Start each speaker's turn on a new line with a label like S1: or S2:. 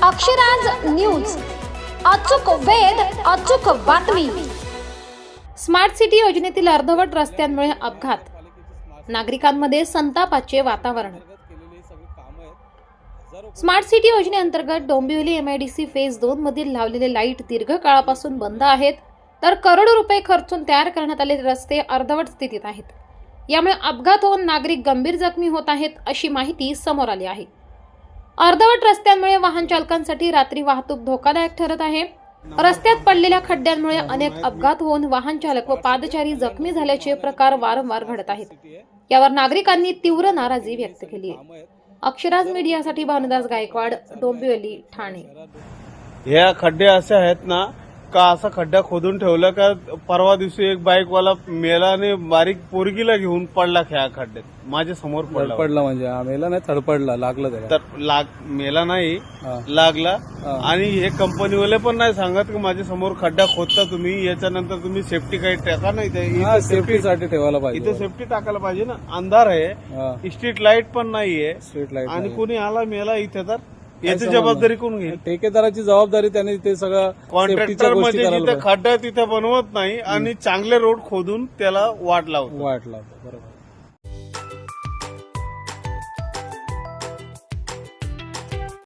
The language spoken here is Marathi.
S1: अक्षराज न्यूज, अचूक वेध, अचूक बातमी। स्मार्ट सिटी योजनेतील अर्धवट रस्त्यांमुळे अपघात, नागरिकांमध्ये संतापाचे वातावरण। स्मार्ट सिटी योजनेअंतर्गत डोंबिवली MIDC फेज 2 मधील लावलेले लाईट दीर्घकाळापासून बंद आहेत, तर करोडो रुपये खर्चून तयार करण्यात आलेले रस्ते अर्धवट स्थितीत आहेत। यामुळे अपघात होऊन नागरिक गंभीर जखमी होत आहेत, अशी माहिती समोर आली आहे। अर्धवट रस्त्यांमुळे वाहन चालकांसाठी रात्री वाहतूक धोकादायक ठरत आहे। रस्त्यात पडलेल्या खड्ड्यांमुळे अनेक अपघात होऊन वाहन चालक व पादचारी जखमी झाल्याचे प्रकार वारंवार घडत आहेत। यावर नागरिकांनी तीव्र नाराजी व्यक्त केली आहे। अक्षराज मीडियासाठी भानुदास गायकवाड, डोंबिवली, ठाणे।
S2: ह्या खड्डे असे आहेत ना का असा खड्डा खोदून ठेवला का परवा दिवशी एक बाईकवाला मेलाने बारीक पोरगीला घेऊन पडला ह्या खड्ड्यात, माझ्या समोर
S3: पडला म्हणजे मेला नाही, थडपडला, लागला त्याला.
S2: तर मेला नाही, लागला। आणि हे कंपनीवाले पण नाही सांगत की माझ्या समोर खड्डा खोदता तुम्ही, याच्यानंतर तुम्ही सेफ्टी काही टाका नाही,
S3: सेफ्टीसाठी ठेवायला पाहिजे,
S2: इथे सेफ्टी टाकायला पाहिजे ना। अंधार आहे, स्ट्रीट लाईट पण नाहीये,
S3: स्ट्रीट लाईट
S2: आणि कोणी आला मेला इथे तर याची जबाबदारी कोण घेईल?
S3: ठेकेदाराची जबाबदारी, त्याने ते सगळं
S2: कॉन्ट्रॅक्टर म्हणजे जिथे खड्डा तिथे बनवत नाही आणि चांगले रोड खोदून त्याला वाट लावतो.
S3: बरोबर.